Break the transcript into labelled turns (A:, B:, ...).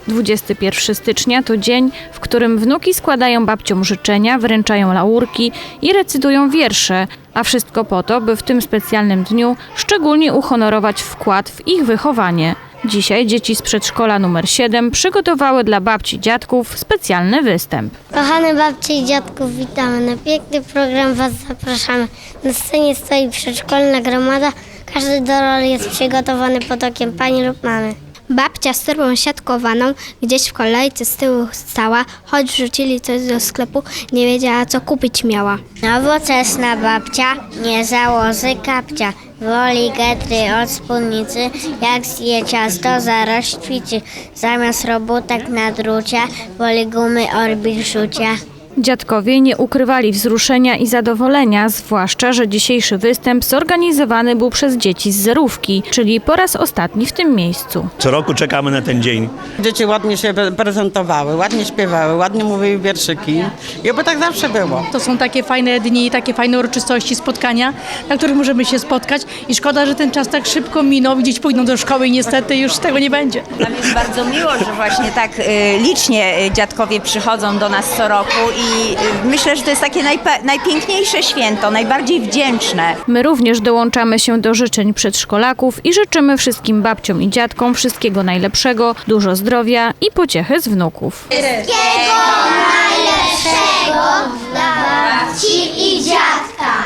A: 21 stycznia to dzień, w którym wnuki składają babciom życzenia, wręczają laurki i recytują wiersze, a wszystko po to, by w tym specjalnym dniu szczególnie uhonorować wkład w ich wychowanie. Dzisiaj dzieci z przedszkola numer 7 przygotowały dla babci i dziadków specjalny występ.
B: Kochane babcie i dziadków, witamy. Na piękny program Was zapraszamy. Na scenie stoi przedszkolna gromada. Każdy do roli jest przygotowany pod okiem pani lub mamy. Babcia z torbą siatkowaną gdzieś w kolejce z tyłu stała, choć wrzucili coś do sklepu, nie wiedziała co kupić miała. Nowoczesna babcia, nie założy kapcia, woli getry od spódnicy, jak zje ciasto zaraz ćwiczy, zamiast robótek na drucie, woli gumy Orbit rzucia.
A: Dziadkowie nie ukrywali wzruszenia i zadowolenia, zwłaszcza, że dzisiejszy występ zorganizowany był przez dzieci z zerówki, czyli po raz ostatni w tym miejscu.
C: Co roku czekamy na ten dzień.
D: Dzieci ładnie się prezentowały, ładnie śpiewały, ładnie mówiły wierszyki i oby tak zawsze było.
E: To są takie fajne dni, takie fajne uroczystości, spotkania, na których możemy się spotkać i szkoda, że ten czas tak szybko minął, dzieci pójdą do szkoły i niestety już tego nie będzie.
F: Nam jest bardzo miło, że właśnie tak licznie dziadkowie przychodzą do nas co roku i myślę, że to jest takie najpiękniejsze święto, najbardziej wdzięczne.
A: My również dołączamy się do życzeń przedszkolaków i życzymy wszystkim babciom i dziadkom wszystkiego najlepszego, dużo zdrowia i pociechy z wnuków.
B: Wszystkiego najlepszego dla babci i dziadka.